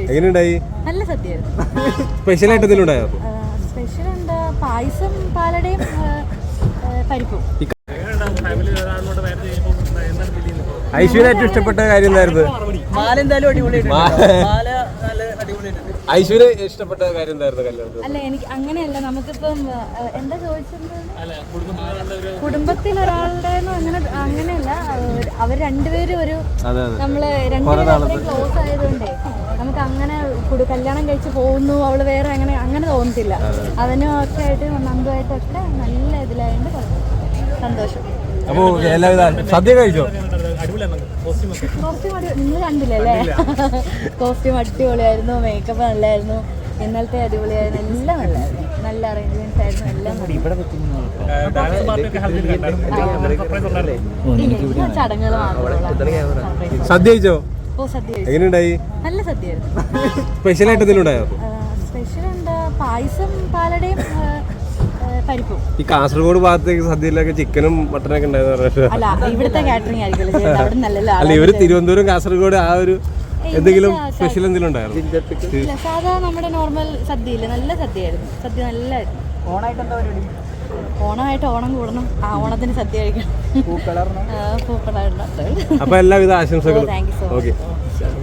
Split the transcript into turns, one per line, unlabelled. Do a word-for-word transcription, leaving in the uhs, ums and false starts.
എങ്ങനെയുണ്ടായി?
നല്ല സദ്യയായിരുന്നു.
സ്പെഷ്യൽ ആയിട്ട് എന്തെങ്കിലും ഉണ്ടായോ?
സ്പെഷ്യൽ എന്താ, പായസം, പാലടയും പരിപ്പും.
ഐശ്വര്യ ഏറ്റവും ഇഷ്ടപ്പെട്ട കാര്യം എന്തായിരുന്നു? ഐശ്വര്യ ഇഷ്ടപ്പെട്ട കാര്യം എന്തായിരുന്നു കല്യാണത്തിൽ?
അല്ല, എനിക്ക് അങ്ങനെയല്ല, നമുക്കിപ്പം എന്താ ചോദിച്ചത്, കുടുംബത്തിൽ ഒരാളുടെ അങ്ങനെ അങ്ങനെയല്ല, അവർ രണ്ടുപേരും ഒരു നമ്മള് രണ്ടുപേരും അത്രയും ക്ലോസ് ആയതുകൊണ്ടേ നമുക്ക് അങ്ങനെ കല്യാണം കഴിച്ച് പോകുന്നു അവള് വേറെ അങ്ങനെ അങ്ങനെ തോന്നത്തില്ല. അവനും ഒക്കെ ആയിട്ട് നന്ദുമായിട്ടൊക്കെ നല്ല ഇതിലായതുകൊണ്ട് സന്തോഷം.
അപ്പൊ എല്ലാവിധ സദ്യ കഴിച്ചോ?
കോസ്റ്റ്യൂം അടി നിങ്ങൾ കണ്ടില്ലല്ലേ? കോസ്റ്റ്യൂം അടിപൊളിയായിരുന്നു, മേക്കപ്പ് നല്ലായിരുന്നു, ഇന്നലത്തെ അടിപൊളിയായിരുന്നു, എല്ലാം നല്ലായിരുന്നു, നല്ല അറേഞ്ച്മെന്റ്സ് ആയിരുന്നു, എല്ലാം ചടങ്ങുകൾ മാത്രമേ.
സദ്യ കഴിച്ചോ?
ഓ, സദ്യ
എങ്ങനെയുണ്ടായി?
നല്ല സദ്യയായിരുന്നു.
സ്പെഷ്യൽ ആയിട്ട് എന്തെങ്കിലും ഉണ്ടായോ?
സ്പെഷ്യൽ എന്താ, പായസം, പാലടയും പരിപ്പും.
ഈ കാസർഗോഡ് ഭാഗത്തേക്ക് സദ്യയിലൊക്കെ ചിക്കനും മട്ടനൊക്കെ ഉണ്ടായിരുന്നു.
അല്ല, ഇവിടുത്തെ കാറ്ററിംഗ് ആയിരിക്കും.
അല്ല, ഇവര് തിരുവനന്തപുരം കാസർഗോഡ് ആ ഒരു എന്തെങ്കിലും സ്പെഷ്യൽ എന്തെങ്കിലും ഉണ്ടായിരുന്നു?
സാധാ നമ്മുടെ നോർമൽ സദ്യയില്ലേ, നല്ല സദ്യയായിരുന്നു. സദ്യ നല്ലായിരുന്നു.
ഓണായിട്ട് എന്താ പരിപാടി?
ഓണമായിട്ട് ഓണം കൂടണം, ആ ഓണത്തിന് സദ്യ കഴിക്കണം. പൂക്കളായിരുന്നു.
അപ്പൊ എല്ലാവിധ ആശംസകളും.
Thank you so much.
Okay.